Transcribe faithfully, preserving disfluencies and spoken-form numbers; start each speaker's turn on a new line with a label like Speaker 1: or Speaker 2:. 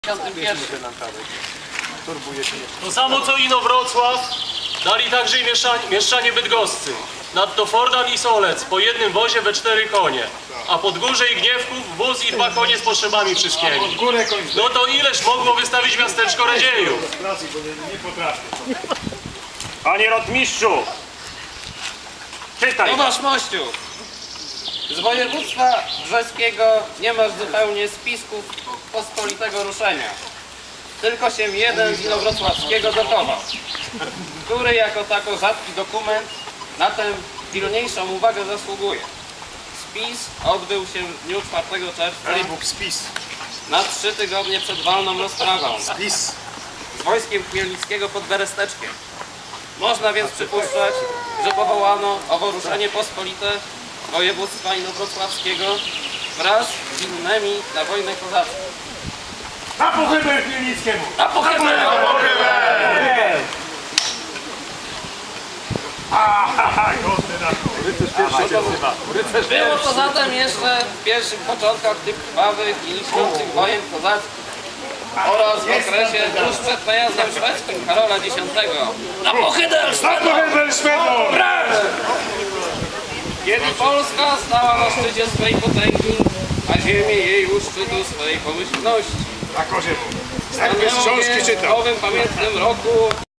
Speaker 1: To samo co Inowrocław dali także i mieszczanie, mieszczanie bydgoscy. Nadto Fordan i Solec po jednym wozie we cztery konie, a Podgórze i Gniewków wóz i dwa konie z potrzebami wszystkimi. No to ileż mogło wystawić miasteczko Radziejów? Panie rotmistrzu, czytaj!
Speaker 2: Tomasz Mościu, z województwa brzeskiego nie masz zupełnie spisków pospolitego ruszenia. Tylko się jeden z inowrocławskiego dochował, który jako tako rzadki dokument na tę pilniejszą uwagę zasługuje. Spis odbył się w dniu czwartego czerwca
Speaker 3: Bóg, spis.
Speaker 2: na trzy tygodnie przed walną rozprawą
Speaker 3: Spis.
Speaker 2: z wojskiem Chmielnickiego pod Beresteczkiem. Można więc przypuszczać, że powołano owo ruszenie pospolite województwa inowrocławskiego wraz z innymi na wojnę kozacką.
Speaker 3: Na pochybę Chmielnickiemu!
Speaker 2: Na pochybę! Było to zatem jeszcze w pierwszych początkach tych krwawych i liczących wojen kozackich oraz w okresie tuż przed najazdem szwedzkim Karola Dziesiątego. Na pochybę!
Speaker 3: Na pochybę Szwedom!
Speaker 2: Kiedy Polska stała na szczycie swej potęgi, a ziemię jej u szczytu swej pomyślności.
Speaker 3: Na korze. Jak bez książki czytał.
Speaker 2: W nowym pamiętnym roku